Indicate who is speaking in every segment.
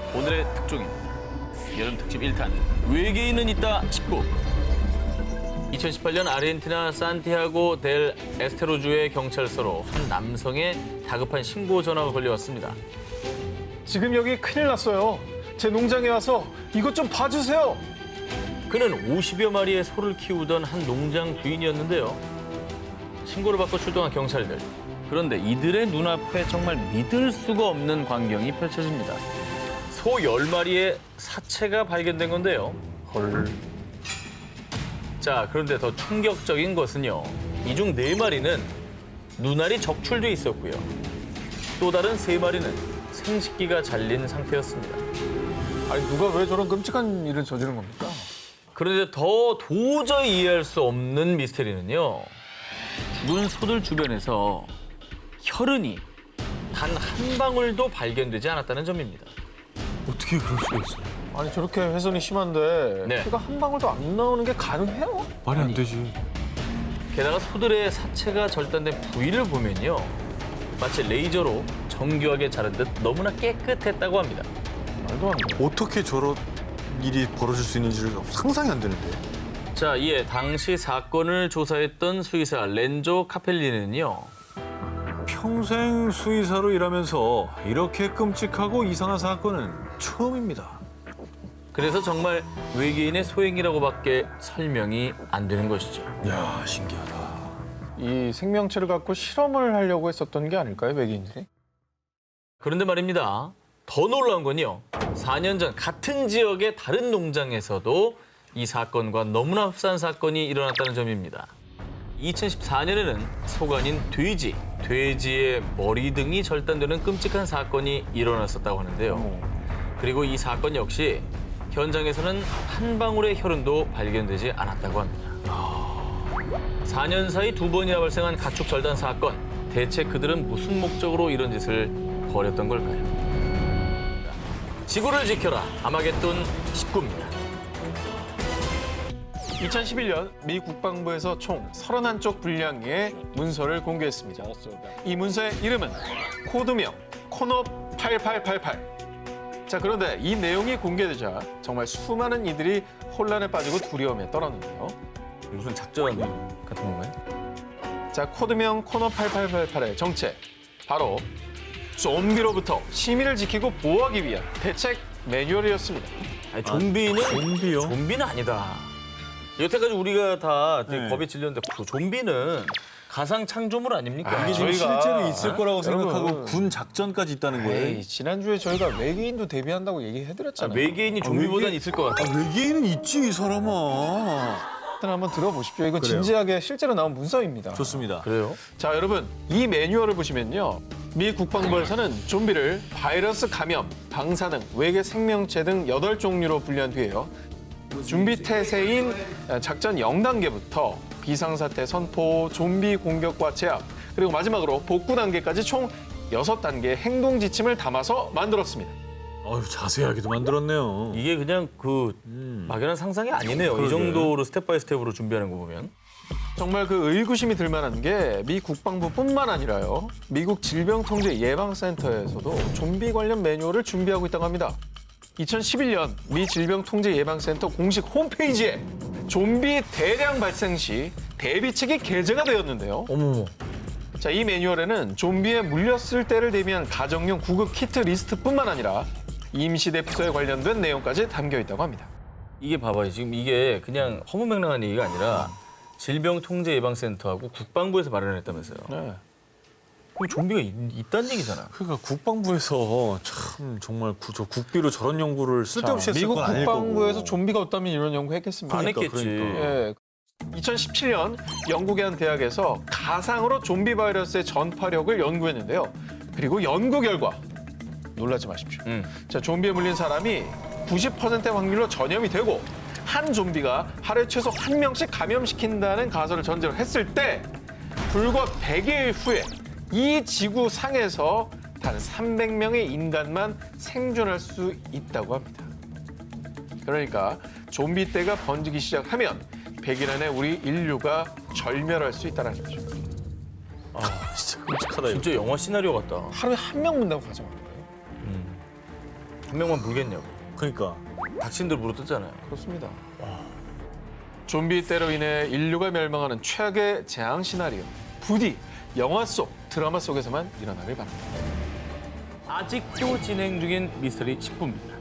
Speaker 1: 오늘의 특종인 여름 특집 1탄 외계인은 있다 19. 2018년 아르헨티나 산티아고 델 에스테로주의 경찰서로 한 남성의 다급한 신고 전화가 걸려왔습니다.
Speaker 2: 지금 여기 큰일 났어요. 제 농장에 와서 이것 좀 봐주세요.
Speaker 1: 그는 50여 마리의 소를 키우던 한 농장 주인이었는데요. 신고를 받고 출동한 경찰들. 그런데 이들의 눈앞에 정말 믿을 수가 없는 광경이 펼쳐집니다. 소 10마리의 사체가 발견된 건데요.
Speaker 2: 헐.
Speaker 1: 자, 그런데 더 충격적인 것은요. 이 중 4마리는 눈알이 적출돼 있었고요. 또 다른 3마리는 생식기가 잘린 상태였습니다.
Speaker 2: 아니 누가 왜 저런 끔찍한 일을 저지른 겁니까?
Speaker 1: 그런데 더 도저히 이해할 수 없는 미스테리는요. 죽은 소들 주변에서 혈흔이 단 한 방울도 발견되지 않았다는 점입니다.
Speaker 3: 어떻게 그럴 수가 있어요?
Speaker 2: 아니 저렇게 훼손이 심한데
Speaker 1: 네.
Speaker 2: 피가 한 방울도 안 나오는 게 가능해요?
Speaker 3: 말이 안 되지.
Speaker 1: 게다가 소들의 사체가 절단된 부위를 보면요. 마치 레이저로 정교하게 자른 듯 너무나 깨끗했다고 합니다.
Speaker 2: 말도 안 돼.
Speaker 3: 어떻게 저런 일이 벌어질 수 있는지를 상상이 안 되는데.
Speaker 1: 자, 이에 당시 사건을 조사했던 수의사 렌조 카펠리는요.
Speaker 3: 평생 수의사로 일하면서 이렇게 끔찍하고 이상한 사건은 처음입니다.
Speaker 1: 그래서 정말 외계인의 소행이라고밖에 설명이 안 되는 것이죠.
Speaker 3: 야, 신기하다.
Speaker 2: 이 생명체를 갖고 실험을 하려고 했었던 게 아닐까요, 외계인들이?
Speaker 1: 그런데 말입니다. 더 놀라운 건요. 4년 전 같은 지역의 다른 농장에서도 이 사건과 너무나 흡사한 사건이 일어났다는 점입니다. 2014년에는 소가 아닌 돼지의 머리 등이 절단되는 끔찍한 사건이 일어났었다고 하는데요. 그리고 이 사건 역시 현장에서는 한 방울의 혈흔도 발견되지 않았다고 합니다. 4년 사이 2번이나 발생한 가축 절단 사건. 대체 그들은 무슨 목적으로 이런 짓을 벌였던 걸까요? 지구를 지켜라. 아마겟돈 19입니다.
Speaker 2: 2011년 미 국방부에서 총 31쪽 분량의 문서를 공개했습니다. 이 문서의 이름은 코드명 코너 8888. 자, 그런데 이 내용이 공개되자 정말 수많은 이들이 혼란에 빠지고 두려움에 떨었는데요.
Speaker 1: 무슨 작전 같은 건가요?
Speaker 2: 자, 코드명 코너 8888의 정체. 바로 좀비로부터 시민을 지키고 보호하기 위한 대책 매뉴얼이었습니다.
Speaker 1: 아니, 좀비는
Speaker 3: 좀비요?
Speaker 1: 좀비는 아니다. 여태까지 우리가 다 되게
Speaker 3: 네.
Speaker 1: 겁에 질렸는데 그 좀비는 가상 창조물 아닙니까?
Speaker 2: 아,
Speaker 3: 이게 지금
Speaker 2: 저희가-
Speaker 3: 실제로 있을 거라고 생각하고
Speaker 2: 여러분.
Speaker 3: 군 작전까지 있다는 거예요.
Speaker 2: 에이, 지난주에 저희가 외계인도 대비한다고 얘기해드렸잖아요.
Speaker 1: 외계인이 좀비보단
Speaker 3: 외계인-
Speaker 1: 있을 것 같아.
Speaker 3: 외계인은 있지, 이 사람아.
Speaker 2: 일단 한번 들어보십시오. 이거
Speaker 3: 그래요.
Speaker 2: 진지하게 실제로 나온 문서입니다.
Speaker 3: 좋습니다.
Speaker 1: 그래요?
Speaker 2: 자, 여러분, 이 매뉴얼을 보시면요. 미 국방부에서는 좀비를 바이러스 감염, 방사능, 외계 생명체 등 8종류로 분류한 뒤에요. 준비 태세인 작전 0단계부터 비상사태 선포, 좀비 공격과 제압, 그리고 마지막으로 복구 단계까지 총 6단계의 행동 지침을 담아서 만들었습니다.
Speaker 3: 어휴, 자세하게도 만들었네요.
Speaker 1: 이게 그냥 그 막연한 상상이 아니네요. 이
Speaker 3: 그러게.
Speaker 1: 정도로 스텝 바이 스텝으로 준비하는 거 보면.
Speaker 2: 정말 그 의구심이 들 만한 게 미 국방부뿐만 아니라요. 미국 질병통제예방센터에서도 좀비 관련 매뉴얼을 준비하고 있다고 합니다. 2011년 미 질병통제예방센터 공식 홈페이지에 좀비 대량 발생 시 대비책이 게재가 되었는데요.
Speaker 1: 어머머.
Speaker 2: 자, 이 매뉴얼에는 좀비에 물렸을 때를 대비한 가정용 구급 키트 리스트뿐만 아니라 임시대피소에 관련된 내용까지 담겨 있다고 합니다.
Speaker 1: 이게 봐봐요. 지금 이게 그냥 허무맹랑한 얘기가 아니라 질병통제예방센터하고 국방부에서 마련했다면서요.
Speaker 2: 네.
Speaker 1: 그럼 좀비가 있다는 얘기잖아.
Speaker 3: 그러니까 국방부에서 참 정말 저 국비로 저런 연구를 쓸데없이
Speaker 2: 자,
Speaker 3: 했을
Speaker 2: 미국
Speaker 3: 건 아닐
Speaker 2: 국방부에서
Speaker 3: 거고.
Speaker 2: 좀비가 없다면 이런 연구 했겠습니까?
Speaker 1: 안 했겠지.
Speaker 3: 그러니까.
Speaker 2: 예. 2017년 영국의 한 대학에서 가상으로 좀비 바이러스의 전파력을 연구했는데요. 그리고 연구 결과 놀라지 마십시오. 자, 좀비에 물린 사람이 90%의 확률로 전염이 되고 한 좀비가 하루에 최소 한 명씩 감염시킨다는 가설을 전제로 했을 때 불과 100일 후에 이 지구 상에서 단 300명의 인간만 생존할 수 있다고 합니다. 그러니까 좀비 떼가 번지기 시작하면 100일 안에 우리 인류가 절멸할 수 있다는 거죠.
Speaker 3: 진짜 끔찍하다, 이거.
Speaker 1: 진짜 영화 시나리오 같다.
Speaker 2: 하루에 한 명 문다고 가정하는 거예요.
Speaker 1: 한 명만 물겠냐고.
Speaker 3: 그러니까
Speaker 1: 닥친들 물어뜯잖아요.
Speaker 2: 그렇습니다. 좀비 때로 인해 인류가 멸망하는 최악의 재앙 시나리오. 부디 영화 속, 드라마 속에서만 일어나길 바랍니다.
Speaker 1: 아직도 진행 중인 미스터리 10부입니다.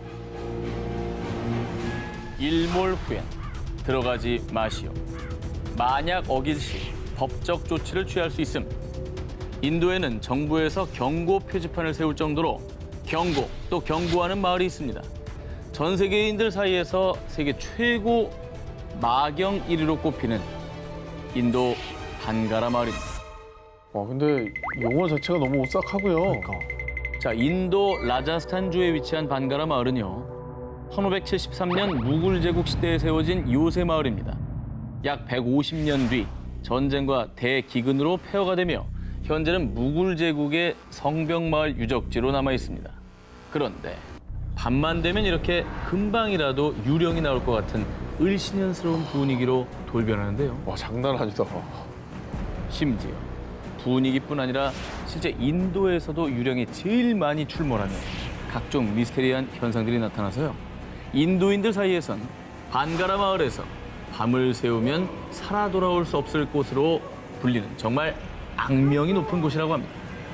Speaker 1: 일몰 후엔 들어가지 마시오. 만약 어길 시 법적 조치를 취할 수 있음. 인도에는 정부에서 경고 표지판을 세울 정도로 경고 또 경고하는 마을이 있습니다. 전 세계인들 사이에서 세계 최고 마경 1위로 꼽히는 인도 반가라 마을입니다.
Speaker 2: 와, 근데 용어 자체가 너무 오싹하고요.
Speaker 1: 자, 인도 라자스탄주에 위치한 반가라 마을은요. 1573년 무굴 제국 시대에 세워진 요새 마을입니다. 약 150년 뒤 전쟁과 대기근으로 폐허가 되며 현재는 무굴 제국의 성벽 마을 유적지로 남아 있습니다. 그런데 밤만 되면 이렇게 금방이라도 유령이 나올 것 같은 을씨년스러운 분위기로 돌변하는데요.
Speaker 2: 와, 장난 아니다.
Speaker 1: 심지어 분위기뿐 아니라 실제 인도에서도 유령이 제일 많이 출몰하며 각종 미스테리한 현상들이 나타나서요. 인도인들 사이에선 반가라 마을에서 밤을 새우면 살아 돌아올 수 없을 곳으로 불리는 정말 악명이 높은 곳이라고 합니다.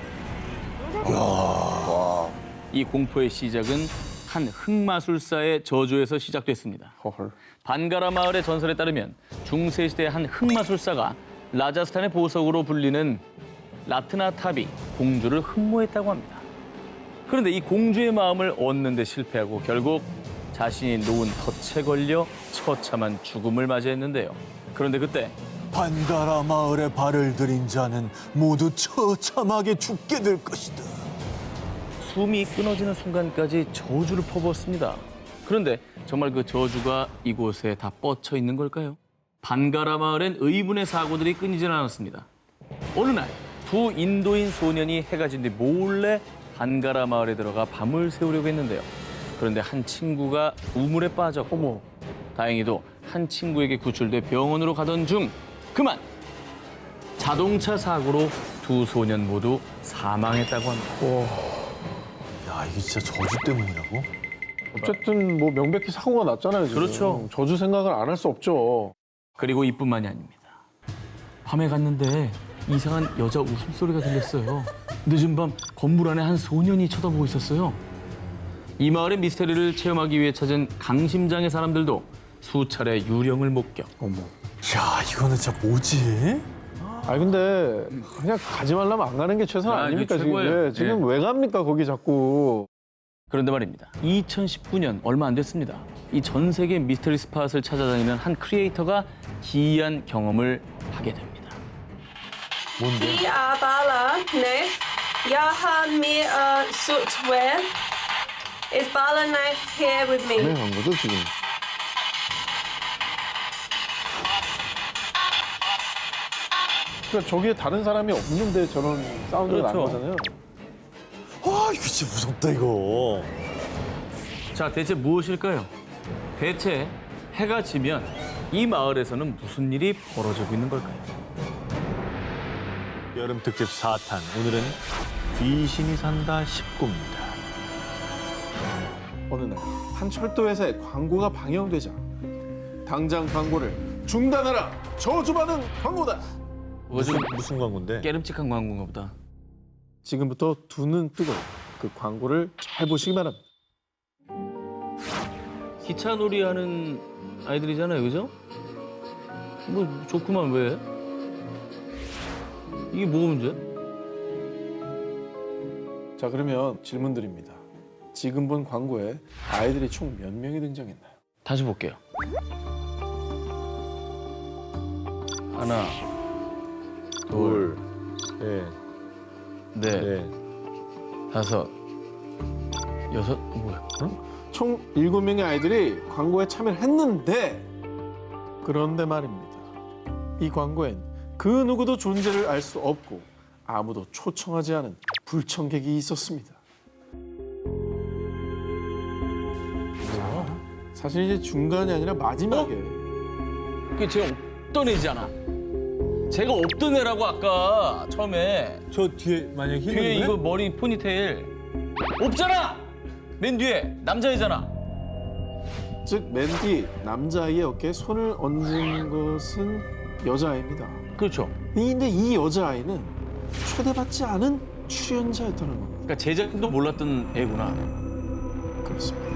Speaker 1: 이 공포의 시작은 한 흑마술사의 저주에서 시작됐습니다.
Speaker 2: 헐.
Speaker 1: 반가라 마을의 전설에 따르면 중세시대 한 흑마술사가 라자스탄의 보석으로 불리는 라트나타비 공주를 흠모했다고 합니다. 그런데 이 공주의 마음을 얻는 데 실패하고 결국 자신이 놓은 덫에 걸려 처참한 죽음을 맞이했는데요. 그런데 그때
Speaker 3: 반가라 마을에 발을 들인 자는 모두 처참하게 죽게 될 것이다.
Speaker 1: 숨이 끊어지는 순간까지 저주를 퍼부었습니다. 그런데 정말 그 저주가 이곳에 다 뻗쳐 있는 걸까요? 반가라 마을엔 의문의 사고들이 끊이질 않았습니다. 어느 날 두 인도인 소년이 해가 진 뒤 몰래 반가라 마을에 들어가 밤을 새우려고 했는데요. 그런데 한 친구가 우물에 빠졌고 다행히도 한 친구에게 구출돼 병원으로 가던 중 그만 자동차 사고로 두 소년 모두 사망했다고 합니다.
Speaker 3: 야, 이게 진짜 저주 때문이라고?
Speaker 2: 어쨌든 뭐 명백히 사고가 났잖아요, 지금.
Speaker 1: 그렇죠.
Speaker 2: 저주 생각을 안 할 수 없죠.
Speaker 1: 그리고 이뿐만이 아닙니다. 밤에 갔는데 이상한 여자 웃음소리가 들렸어요. 늦은 밤 건물 안에 한 소년이 쳐다보고 있었어요. 이 마을의 미스터리를 체험하기 위해 찾은 강심장의 사람들도 수차례 유령을 목격.
Speaker 3: 야, 이거는 진짜 뭐지?
Speaker 2: 아니 근데 그냥 가지 말라면 안 가는 게 최선
Speaker 1: 아,
Speaker 2: 아닙니까
Speaker 1: 이게
Speaker 2: 지금?
Speaker 1: 최고예요.
Speaker 2: 예, 지금
Speaker 1: 예.
Speaker 2: 왜 갑니까 거기 자꾸?
Speaker 1: 그런데 말입니다. 2019년 얼마 안 됐습니다. 이 전 세계 미스터리 스팟을 찾아다니는 한 크리에이터가 기이한 경험을 하게 됩니다.
Speaker 4: Die Bala knife. Jag med software. Is Bala knife here with me?
Speaker 2: 간 거죠 지금? 그러니까 저기에 다른 사람이 없는데 저런 사운드가 나는
Speaker 1: 그렇죠.
Speaker 2: 거잖아요.
Speaker 3: 와, 이거 진짜 무섭다, 이거.
Speaker 1: 자, 대체 무엇일까요? 대체 해가 지면 이 마을에서는 무슨 일이 벌어지고 있는 걸까요?
Speaker 3: 여름 특집 4탄. 오늘은 귀신이 산다 19입니다.
Speaker 2: 어느 날 한 철도 회사의 광고가 방영되자 당장 광고를 중단하라. 저주받은 광고다.
Speaker 3: 무슨 광고인데?
Speaker 1: 깨름직한 광고인가 보다.
Speaker 2: 지금부터 두 눈 뜨고 그 광고를 잘 보시기 바랍니다.
Speaker 1: 기차 놀이 하는 아이들이잖아요, 그죠? 뭐 좋구만 왜? 이게 뭐가 문제야?
Speaker 2: 자 그러면 질문 드립니다. 지금 본 광고에 아이들이 총 몇 명이 등장했나요?
Speaker 1: 다시 볼게요. 하나,
Speaker 3: 둘, 셋,
Speaker 1: 넷,
Speaker 3: 넷.
Speaker 1: 다섯, 여섯, 뭐야?
Speaker 2: 총 7명의 아이들이 광고에 참여를 했는데 그런데 말입니다. 이 광고엔 그 누구도 존재를 알 수 없고 아무도 초청하지 않은 불청객이 있었습니다. 사실 이제 중간이 아니라 마지막에
Speaker 1: 그게 쟤 없던 애잖아. 제가 없던 애라고 아까 처음에
Speaker 3: 저 뒤에 만약
Speaker 1: 뒤에
Speaker 3: 흰
Speaker 1: 이거 머리 포니테일 없잖아. 맨 뒤에 남자애잖아.
Speaker 2: 즉, 맨 뒤 남자아이의 어깨에 손을 얹은 것은 여자아이입니다.
Speaker 1: 그렇죠.
Speaker 2: 근데 이 여자아이는 초대받지 않은 출연자였다는 겁니다.
Speaker 1: 그러니까 제작진도 몰랐던 애구나.
Speaker 2: 그렇습니다.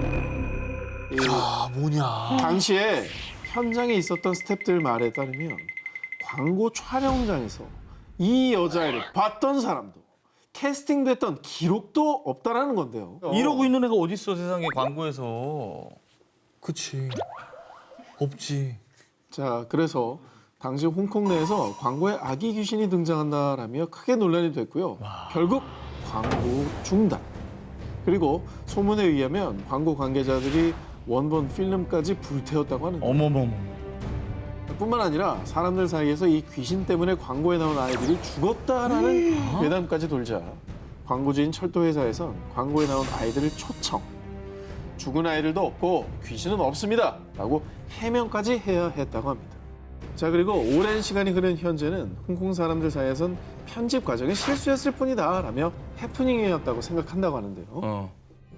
Speaker 3: 아, 뭐냐.
Speaker 2: 당시에 현장에 있었던 스태프들 말에 따르면 광고 촬영장에서 이 여자애를 봤던 사람도 캐스팅됐던 기록도 없다라는 건데요.
Speaker 1: 이러고 있는 애가 어딨어 세상에 광고에서.
Speaker 3: 그치. 없지.
Speaker 2: 자, 그래서 당시 홍콩 내에서 광고에 아기 귀신이 등장한다라며 크게 논란이 됐고요. 결국 광고 중단. 그리고 소문에 의하면 광고 관계자들이 원본 필름까지 불태웠다고 하는데
Speaker 1: 어머머머.
Speaker 2: 뿐만 아니라 사람들 사이에서 이 귀신 때문에 광고에 나온 아이들이 죽었다라는 괴담까지 돌자 광고주인 철도회사에선 광고에 나온 아이들을 초청. 죽은 아이들도 없고 귀신은 없습니다 라고 해명까지 해야 했다고 합니다. 자, 그리고 오랜 시간이 흐른 현재는 홍콩 사람들 사이에선 편집 과정이 실수였을 뿐이다 라며 해프닝이었다고 생각한다고 하는데요.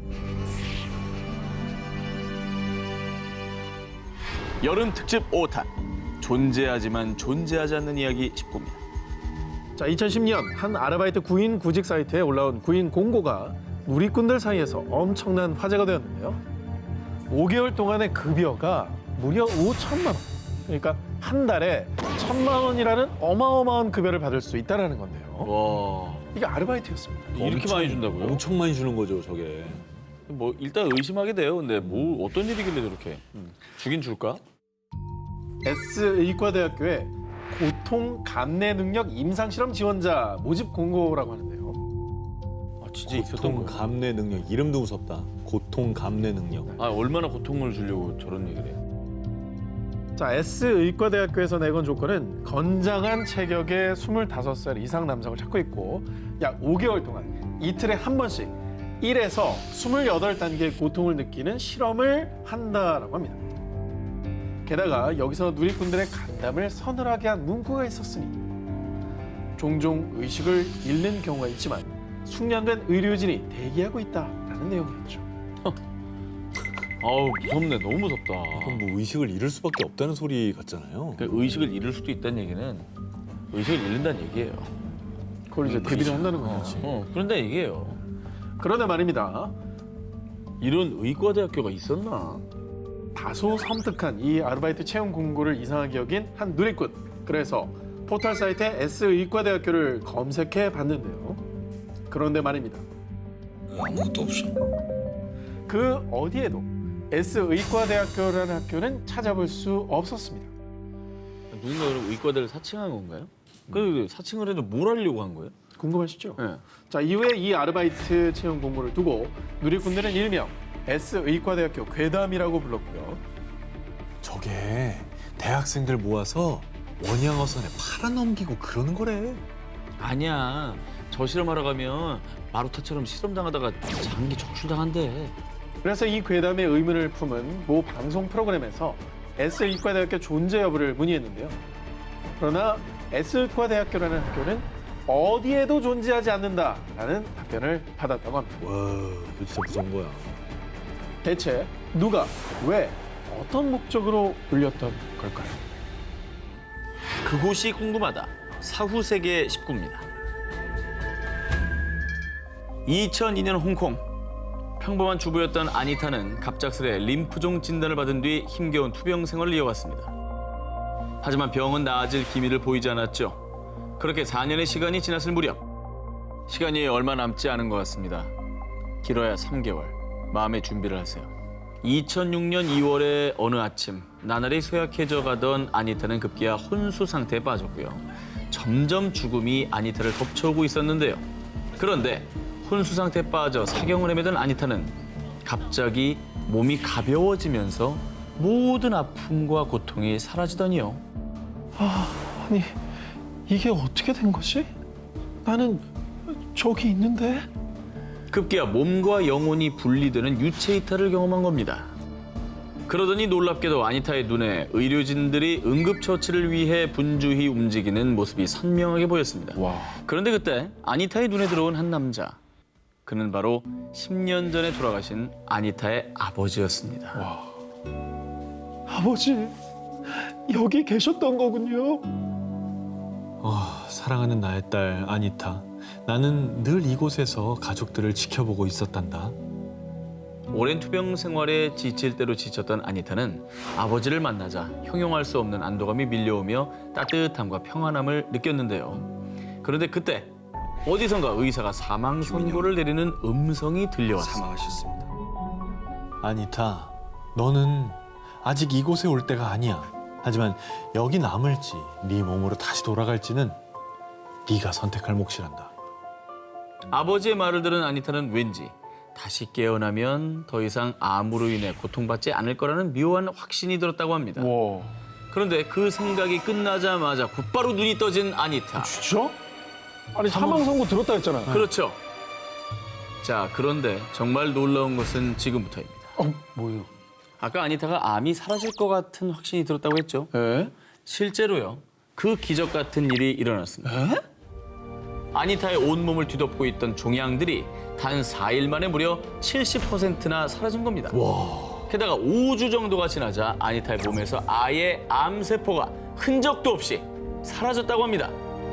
Speaker 1: 여름 특집 5탄. 존재하지만 존재하지 않는 이야기 19입니다.
Speaker 2: 자, 2010년 한 아르바이트 구인 구직 사이트에 올라온 구인 공고가 누리꾼들 사이에서 엄청난 화제가 되었는데요. 5개월 동안의 급여가 무려 5천만 원. 그러니까 한 달에 1,000만 원이라는 어마어마한 급여를 받을 수 있다는 건데요.
Speaker 1: 와.
Speaker 2: 이게 아르바이트였습니다.
Speaker 1: 이렇게 많이 준다고요?
Speaker 3: 엄청 많이 주는 거죠, 저게.
Speaker 1: 뭐 일단 의심하게 돼요. 근데 뭐 어떤 일이길래 저렇게 주긴 줄까?
Speaker 2: S의과대학교의 고통 감내 능력 임상 실험 지원자 모집 공고라고 하는데요.
Speaker 1: 아 진짜 있었던
Speaker 3: 고통
Speaker 1: 거야.
Speaker 3: 감내 능력. 이름도 무섭다. 고통 감내 능력.
Speaker 1: 아 얼마나 고통을 주려고 저런 얘기를 해.
Speaker 2: 자, S의과대학교에서 내건 조건은 건장한 체격의 25살 이상 남성을 찾고 있고 약 5개월 동안 이틀에 한 번씩 1에서 28단계의 고통을 느끼는 실험을 한다라고 합니다. 게다가 여기서 누리꾼들의 간담을 서늘하게 한 문구가 있었으니 종종 의식을 잃는 경우가 있지만 숙련된 의료진이 대기하고 있다라는 내용이었죠.
Speaker 1: 아우 무섭네. 너무 무섭다.
Speaker 3: 그럼 뭐 의식을 잃을 수밖에 없다는 소리 같잖아요.
Speaker 1: 그러니까 의식을 잃을 수도 있다는 얘기는 의식을 잃는다는 얘기예요.
Speaker 2: 그걸 이제 대비를 한다는 거죠.
Speaker 1: 그런데 얘기예요.
Speaker 2: 그런데 말입니다.
Speaker 1: 이런 의과대학교가 있었나?
Speaker 2: 다소 섬뜩한 이 아르바이트 채용 공고를 이상하게 여긴 한 누리꾼. 그래서 포털 사이트에 S의과대학교를 검색해 봤는데요. 그런데 말입니다.
Speaker 3: 아무것도 없어.
Speaker 2: 그 어디에도 S의과대학교라는 학교는 찾아볼 수 없었습니다.
Speaker 1: 누군가 그럼 의과대를 사칭한 건가요? 그 사칭을 해도 뭘 하려고 한 거예요?
Speaker 2: 궁금하시죠?
Speaker 1: 네.
Speaker 2: 자, 이후에 이 아르바이트 채용 공고를 두고 누리꾼들은 일명 S의과대학교 괴담이라고 불렀고요.
Speaker 3: 저게 대학생들 모아서 원양어선에 팔아넘기고 그러는 거래.
Speaker 1: 아니야. 저 실험하러 가면 마루타처럼 실험당하다가 장기 적출당한대.
Speaker 2: 그래서 이 괴담의 의문을 품은 모 방송 프로그램에서 S의과대학교 존재 여부를 문의했는데요. 그러나 S의과대학교라는 학교는 어디에도 존재하지 않는다라는 답변을 받았다고 합니다.
Speaker 3: 와, 이거 진짜 무서운 거야.
Speaker 2: 대체 누가, 왜, 어떤 목적으로 울렸던 걸까요?
Speaker 1: 그곳이 궁금하다. 사후세계 19입니다. 2002년 홍콩. 평범한 주부였던 아니타는 갑작스레 림프종 진단을 받은 뒤 힘겨운 투병 생활을 이어갔습니다. 하지만 병은 나아질 기미를 보이지 않았죠. 그렇게 4년의 시간이 지났을 무렵. 시간이 얼마 남지 않은 것 같습니다. 길어야 3개월. 마음의 준비를 하세요. 2006년 2월의 어느 아침 나날이 쇠약해져 가던 아니타는 급기야 혼수 상태에 빠졌고요. 점점 죽음이 아니타를 덮쳐오고 있었는데요. 그런데 혼수 상태에 빠져 사경을 헤매던 아니타는 갑자기 몸이 가벼워지면서 모든 아픔과 고통이 사라지더니요.
Speaker 2: 아니, 이게 어떻게 된 거지? 나는 저기 있는데?
Speaker 1: 급기야 몸과 영혼이 분리되는 유체 이탈을 경험한 겁니다. 그러더니 놀랍게도 아니타의 눈에 의료진들이 응급처치를 위해 분주히 움직이는 모습이 선명하게 보였습니다.
Speaker 2: 와.
Speaker 1: 그런데 그때 아니타의 눈에 들어온 한 남자. 그는 바로 10년 전에 돌아가신 아니타의 아버지였습니다.
Speaker 2: 아버지, 여기 계셨던 거군요.
Speaker 3: 사랑하는 나의 딸 아니타. 나는 늘 이곳에서 가족들을 지켜보고 있었단다.
Speaker 1: 오랜 투병 생활에 지칠 대로 지쳤던 아니타는 아버지를 만나자 형용할 수 없는 안도감이 밀려오며 따뜻함과 평안함을 느꼈는데요. 그런데 그때 어디선가 의사가 사망 선고를 내리는 음성이 들려왔습니다.
Speaker 3: 아니타, 너는 아직 이곳에 올 때가 아니야. 하지만 여기 남을지 네 몸으로 다시 돌아갈지는 네가 선택할 몫이란다.
Speaker 1: 아버지의 말을 들은 아니타는 왠지 다시 깨어나면 더 이상 암으로 인해 고통받지 않을 거라는 묘한 확신이 들었다고 합니다.
Speaker 2: 와,
Speaker 1: 그런데 그 생각이 끝나자마자 곧바로 눈이 떠진 아니타.
Speaker 2: 진짜? 아니 사망 선고 들었다 했잖아요.
Speaker 1: 그렇죠. 자, 그런데 정말 놀라운 것은 지금부터입니다.
Speaker 2: 뭐예요?
Speaker 1: 아까 아니타가 암이 사라질 것 같은 확신이 들었다고 했죠.
Speaker 2: 에?
Speaker 1: 실제로요. 그 기적 같은 일이 일어났습니다.
Speaker 2: 에?
Speaker 1: 아니타의 온몸을 뒤덮고 있던 종양들이 단 4일 만에 무려 70%나 사라진 겁니다. 게다가 5주 정도가 지나자 아니타의 몸에서 아예 암세포가 흔적도 없이 사라졌다고 합니다.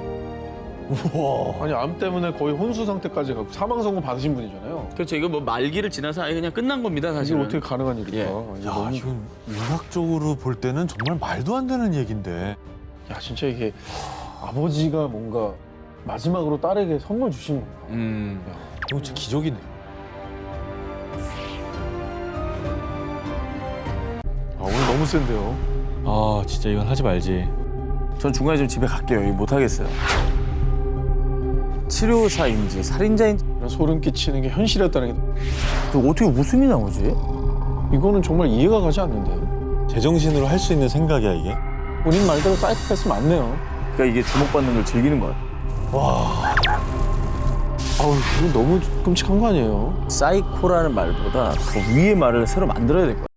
Speaker 2: 아니 암 때문에 거의 혼수 상태까지 가고 사망 선고 받으신 분이잖아요.
Speaker 1: 그렇죠. 이거 뭐 말기를 지나서 아예 그냥 끝난 겁니다,
Speaker 2: 이게
Speaker 1: 사실은.
Speaker 2: 어떻게 가능한 일일까?
Speaker 1: 예.
Speaker 2: 이게
Speaker 3: 야,
Speaker 2: 너무...
Speaker 3: 이건 의학적으로 볼 때는 정말 말도 안 되는 얘긴데.
Speaker 2: 야 진짜 이게 아버지가 뭔가 마지막으로 딸에게 선물 주신 건가?
Speaker 3: 이거 진짜 기적이네.
Speaker 2: 오늘 너무 센데요.
Speaker 3: 아, 진짜 이건 하지 말지.
Speaker 1: 전 중간에 좀 집에 갈게요. 이거 못하겠어요. 치료사인지 살인자인지
Speaker 2: 이런 소름 끼치는 게 현실이었다는 게
Speaker 1: 어떻게 웃음이 나오지?
Speaker 2: 이거는 정말 이해가 가지 않는데.
Speaker 3: 제정신으로 할 수 있는 생각이야, 이게?
Speaker 2: 본인 말대로 사이코패스 맞네요.
Speaker 1: 그러니까 이게 주목받는 걸 즐기는 것 같아요.
Speaker 2: 아우 이거 너무 끔찍한 거 아니에요?
Speaker 1: 사이코라는 말보다 더 위의 말을 새로 만들어야 될 것 같아요.